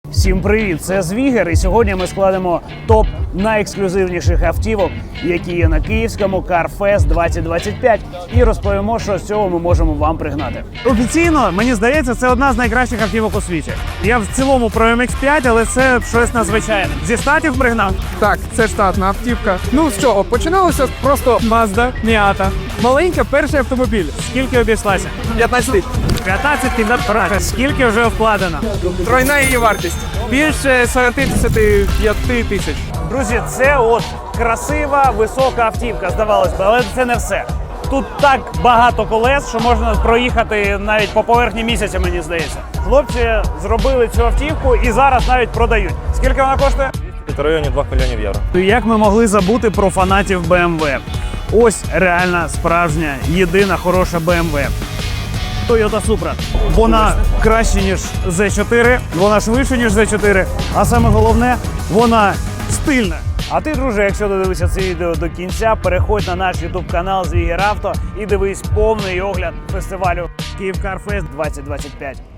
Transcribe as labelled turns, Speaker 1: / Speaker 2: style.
Speaker 1: Всім привіт! Це Звігер, і сьогодні ми складемо топ найексклюзивніших автівок, які є на київському CarFest 2025, і розповімо, що з цього ми можемо вам пригнати.
Speaker 2: Офіційно, мені здається, це одна з найкращих автівок у світі. Я в цілому про MX-5, але це щось надзвичайне. Зі штатів пригнав?
Speaker 3: Так, це штатна автівка. Ну з чого? Починалося просто
Speaker 2: Mazda Miata. Маленька, перший автомобіль. Скільки обійшлася?
Speaker 3: 15 тисяч.
Speaker 2: 15 квадратів. Скільки вже вкладено?
Speaker 3: Тройна її вартість. Більше 45 тисяч.
Speaker 1: Друзі, це от красива, висока автівка, здавалось би, але це не все. Тут так багато колес, що можна проїхати навіть по поверхні місяця, мені здається. Хлопці зробили цю автівку і зараз навіть продають. Скільки вона коштує?
Speaker 4: В районі 2 мільйонів євро.
Speaker 1: Як ми могли забути про фанатів BMW? Ось реальна, справжня, єдина хороша BMW. Toyota Supra. Вона краще, ніж Z4, вона швидше, ніж Z4, а саме головне, вона стильна. А ти, друже, якщо додивишся це відео до кінця, переходь на наш YouTube канал Звігер Авто і дивись повний огляд фестивалю Київ CarFest 2025.